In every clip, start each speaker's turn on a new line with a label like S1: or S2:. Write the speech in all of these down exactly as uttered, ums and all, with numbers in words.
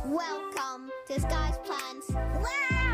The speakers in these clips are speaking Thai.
S1: Welcome to Sky's Plants. Wow!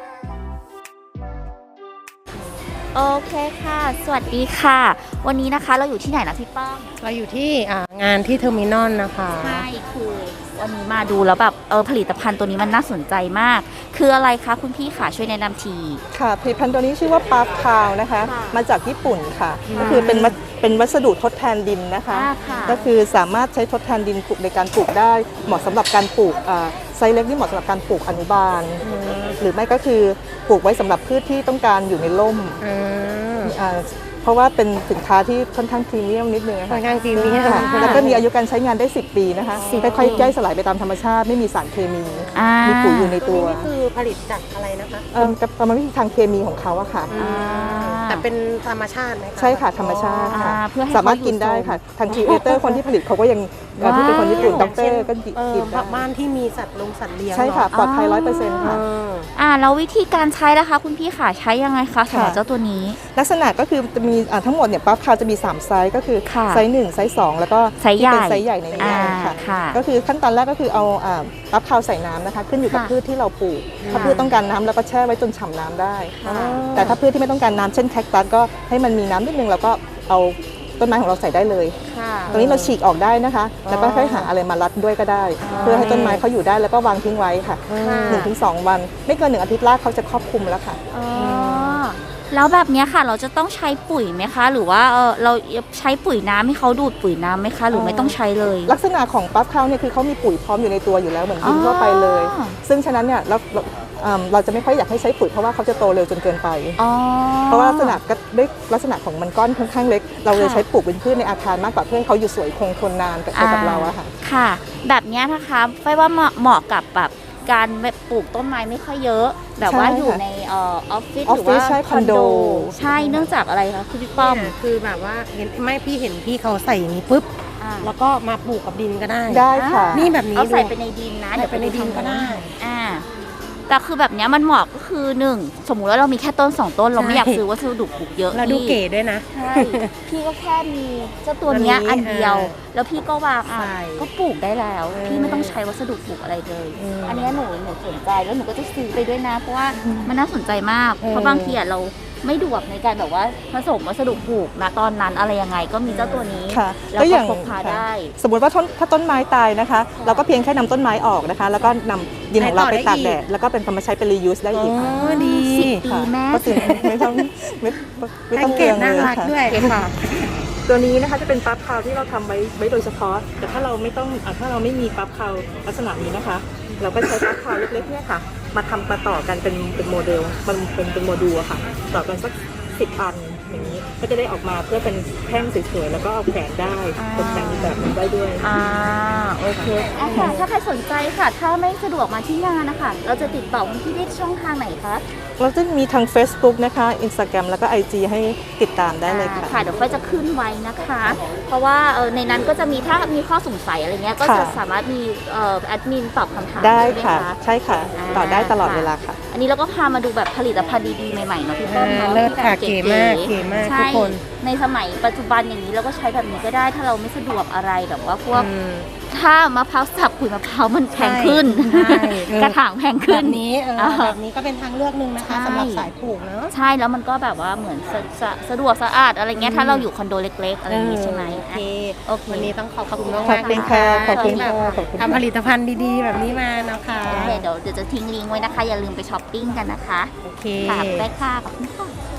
S2: โอเคค่ะ สวัสดีค่ะ วันนี้นะคะเราอยู่ที่ไหนนะพี่ป้อม
S3: เราอยู่ที่งานที่เทอร์มินอลนะคะ
S2: ใช่คือวันนี้มาดูแล้วแบบเออผลิตภัณฑ์ตัวนี้มันน่าสนใจมาก คืออะไรคะคุณพี่ค่ะช่วยแนะนำที
S4: ค่ะผลิตภัณฑ์ตัวนี้ชื่อว่าปาร์คคาวนะคะ
S2: ค่ะ
S4: มาจากญี่ปุ่นค่ะ ก็คือเป็นวัสเป็นวัสดุทดแทนดินนะคะ
S2: อ่าค่ะ
S4: ก็คือสามารถใช้ทดแทนดินปลูกในการปลูกได้ เหมาะสำหรับการปลูกอ่าไซส์เล็กนี่เหมาะสำหรับการปลูกอนุบาล หรือไม่ก็คือปลูกไว้สำหรับพืชที่ต้องการอยู่ในร่ม
S3: อืม
S4: อ่าเพราะว่าเป็นสินค้าที่ค่อนข้างพรีเมียมนิดนึงะ
S3: ค่อนข้างพรีเมียม
S4: ค่ะแล้วก็มีอายุการใช้งานได้สิบปีนะคะ
S2: สิบ
S4: ค่อยๆย่อยสลายไปตามธรรมชาติไม่มีสารเคมี
S2: อ่า
S4: มีปุ๋ยอยู่ใน
S3: ตั
S4: ตัว ว
S3: นี้คือผลิตจากอะไรนะคะ
S4: เอ่อกรรมวิธีทางเคมีของเขาอะค่ะ
S2: อ่า
S3: แต่เป็นธรรมชาติไหมคะ
S4: ใช่ค่ะธรรมชาติค่ะ
S2: อ่าเพื่อให้
S4: สามารถกินได้ค่ะ ทางครีเอเตอร์คนที่ผลิตเขาก็ยังเอ่อที่เป็นคนญี่ปุ่น
S2: ว้าว
S4: ด็อกเตอร์ก็
S3: เออ
S4: กินได้
S3: บ้านที่มีสัตว์ลงสัตว์เลี้ยง
S4: ใช่ค่ะ
S3: เนอ
S4: ปลอดภัยร้อยเปอร์เซ็นต์ค่ะ
S3: เออ
S2: อ่าแล้ววิธีการใช้นะคะคุณพี่ค่ะใช้ยังไงคะสำหรับ
S4: ค่ะ
S2: เจ้าตัวนี้
S4: ลักษณะก็คือจะมีอ่าทั้งหมดเนี่ยปั๊บคาวจะมีสามไซส์ก็คือ
S2: ค่ะ
S4: ไซส์หนึ่งไซส์สองแล้วก็
S2: ไซส์ใหญ่
S4: ที่เป็นไซส์ใหญ่ในนี้
S2: อ่า
S4: ค่ะ
S2: ค่ะ
S4: ก็คือขั้นตอนแรกก็คือเอาอ่าปั๊บคาวใส่น้ำนะคะ ขึ้นอยู่กับ
S2: ค่ะ
S4: พืชที่เราปลูกถ้าพืชต้องการน้ำแล้วก็แช่ไว้จนฉ่ำน้ำได้
S2: ค่ะ
S4: แต่ถ้าพืชที่ไม่ต้องการน้ำเช่นแคคตัสก็ให้มันมีน้ำนิดนึงแล้วก็เอาต้นไม้ของเราใส่ได้เลย
S2: ค่ะ
S4: ตรงนี้เราฉีกออกได้นะคะ แล้วก็ค่อยหาอะไรมารัดด้วยก็ได้ เพื่อให้ต้นไม้เขาอยู่ได้แล้วก็วางทิ้งไว้ค่ะ
S2: ค่ะ
S4: หนึ่งถึงสองวัน ไม่เกินหนึ่งอาทิตย์รากเขาจะครอบคลุมแล้วค่ะ
S2: อ๋อแล้วแบบเนี้ยค่ะเราจะต้องใช้ปุ๋ยไหมคะ หรือว่าเออเราใช้ปุ๋ยน้ำให้เขาดูดปุ๋ยน้ำไหมคะ หรือไม่ต้องใช้เลย
S4: ลักษณะของปั๊บข้าวเนี่ยคือเขามีปุ๋ยพร้อมอยู่ในตัวอยู่แล้วเหมือนดินทั่วไปเลย
S2: อ๋อ
S4: ซึ่งฉะนั้นเนี่ยเราเราอ่าเราจะไม่ค่อยอยากให้ใช้ปุ๋ยเพราะว่าเขาจะโตเร็วจนเกินไป
S2: อ๋อ
S4: เพราะว่าลักษณะก็ด้วยลักษณะของมันก้อนค่อนข้างเล็ก เราเลย
S2: ค่ะ
S4: ใช้ปลูกเป็นพืชในอาคารมากกว่าเพื่อให้เขาอยู่สวยคงทนนานกับไปกับเราอะค่ะ
S2: ค่ะ แบบเนี้ยนะคะไฟว่าเหมาะเหมาะกับแบบการปลูกต้นไม้ไม่ค่อยเยอะ แบบว่า
S4: ใช่ค่ะ
S2: อยู่ในเออออฟฟิศ
S4: ออ
S2: ห
S4: ฟ
S2: รือ
S4: ฟิศ
S2: ว่า
S4: ใช่
S2: คอนโด
S4: คอนโด
S2: ใช่เนื่องจากอะไรคะคุณพี่ป้อม
S3: เนี่ยคือแบบว่าเห็นไม่พี่เห็นพี่เขาใส่อย่างนี้ปุ๊บ
S2: อ่า
S3: แล้วก็มาปลูกกับดินก็ได้
S4: ได้ค่ะ
S3: นี่แบบนี้
S2: เอาใส่
S3: ดู
S2: ไปในดินนะ
S3: ใส่ไปในดินก็ได้
S2: อ่าแต่คือแบบเนี้ยมันเหมาะก็คือหนึ่งสมมุติว่าเรามีแค่ต้นสองต้นเราไม่อยากซื้อวัสดุปลูกเยอะ
S3: แล้วดู
S2: พี่
S3: เก๋ด้วยนะ
S2: ใช่ พี่ก็แค่มีเจ้าตัวเนี้ย
S3: อั
S2: อั
S3: น
S2: น
S3: นี้
S2: เดียว
S3: เออ
S2: แล้วพี่ก็วางอ่ะ
S3: ใช่
S2: ก็ปลูกได้แล้ว
S3: เออ
S2: พี่ไม่ต้องใช้วัสดุปลูกอะไรเลย
S3: อืม
S2: อันเนี้ยหนูหนูสนใจแล้วหนูก็จะซื้อไปด้วยนะ เพราะว่ามันน่าสนใจมาก
S3: เออ
S2: เพราะบางทีอ่ะเราไม่ดวกในการแบบว่าผสมวัสดุปลูกนะตอนนั้นอะไรยังไงก็มีเจ้าตัวนี้
S4: ค่ะ
S2: แล้ว
S4: ก็อ
S2: ก็
S4: ย่าง
S2: พกพาได้
S4: สมมติว่าต้นถ้าต้นไม้ตายนะคะ เราก็เพียงแค่นำต้นไม้ออกนะคะ แล้วก็นำดินของเราไปตากแดดแล้วก็เป็นธรรมชาติเป็น reuse ได้
S3: อ๋
S4: อีกค่ะ
S3: อดี
S2: สิบปี
S4: ค่ะ
S2: แม่
S4: ก็คือไม่ต้องไม่ไม่
S3: แพ็
S4: ต้
S3: ก
S4: อง
S3: เก
S4: เปลื
S3: จ
S4: อง
S3: น่า
S4: เลย
S3: รัก
S4: ค่ะ
S3: ด้วยค่ะ
S4: ตัวนี้นะคะจะเป็นปั๊บคาวที่เราทำไว้ไว้โดยเฉพาะ แต่ถ้าเราไม่ต้องอ่ะถ้าเราไม่มีปั๊บคาวลักษณะนี้นะคะ เราก็ใช้ปั๊บคาวเล็กๆเนี่ยค่ะ มาทำมาต่อกันเป็นเป็นโมเดลมันเป็นเป็นโมดูลอะค่ะ ต่อกันสักสิบอันอย่างนี้ก็จะได้ออกมาเพื่อเป็นแท่งสวยๆแล้วก็เอาแขวนได้ตกแต่งอีกแบบหนึงได้ด้วย
S2: อ่าโอเคอ่ะค่ะถ้าใครสนใจค่ะ ถ้าไม่สะดวกมาที่งานนะคะเราจะติดต่อคุณพี่ได้ช่องทางไหนคะ
S4: เราจะมีทาง Facebook นะคะ Instagram แล้วก็ ไอ จี ให้ติดตามได้เลย
S2: อ่า
S4: ค่ะ
S2: ค่ะเดี๋ยวไฟจะขึ้นไว้นะคะ เพราะว่าเอ่อในนั้นก็จะมีถ้ามีข้อสงสัยอะไรเงี้ยก็จะ
S4: ค่ะ
S2: สามารถมีเอ่อแอดมินตอบคำถาม
S4: ได้
S2: ใช่ไหม
S4: ค่ะ
S2: คะ
S4: ใช่ค่ะ
S2: อ่า
S4: ต่อได้ตลอดเวลาค่ะ
S2: อันนี้เราก็พามาดูแบบผลิตภัณฑ์ดีๆใหม่ๆเนาะพี่ป้อมเนาะ
S3: เลิศค่ะ
S2: ที่แบบ
S3: เก๋มากเก๋มาก
S2: ใช่
S3: ทุกคน
S2: ในสมัยปัจจุบันอย่างนี้เราก็ใช้แบบนี้ก็ได้ถ้าเราไม่สะดวกอะไรแบบว่าพวก
S3: อืม
S2: ถ้ามะพร้าวสับขุยมะพร้าวมันแพงขึ้น
S3: ใช่เออ
S2: กระถางแพง
S3: แบ
S2: ขึ้น
S3: บนี้เออ
S2: อ่า
S3: แบบนี้ก็เป็นทางเลือกหนึ่งนะคะ
S2: ใช่
S3: สำหรับสายปลูกเนาะ
S2: ใช่แล้วมันก็แบบว่าเหมือนสะสะสะดวกสะอาดอะไรเงี้ย
S3: อืม
S2: ถ้าเราอยู่คอนโดเล็กๆอะไรอย่างงี้ใช่ไหม
S3: โอเค
S2: โอเค
S3: วันนี้ต้องขอบคุณ
S2: ข
S3: มา
S2: อบ
S3: ก
S2: คุ
S3: มา
S2: ณ
S3: ก
S4: เป็นค่ะขอบคุณ
S3: ที่
S4: ค่ะ
S3: แบบ
S4: ขอบคุณ
S3: ทำผลิตภัณฑ์ดีๆ แบบนี้มานะคะ
S2: โอเคเดี๋ยวเดี๋ยวจะทิ้งลิงก์ไว้นะคะ อย่าลืมไปช้อปปิ้งกันนะคะ
S3: โอเค
S2: ค่ะไปค่ะขอบคุณค่ะ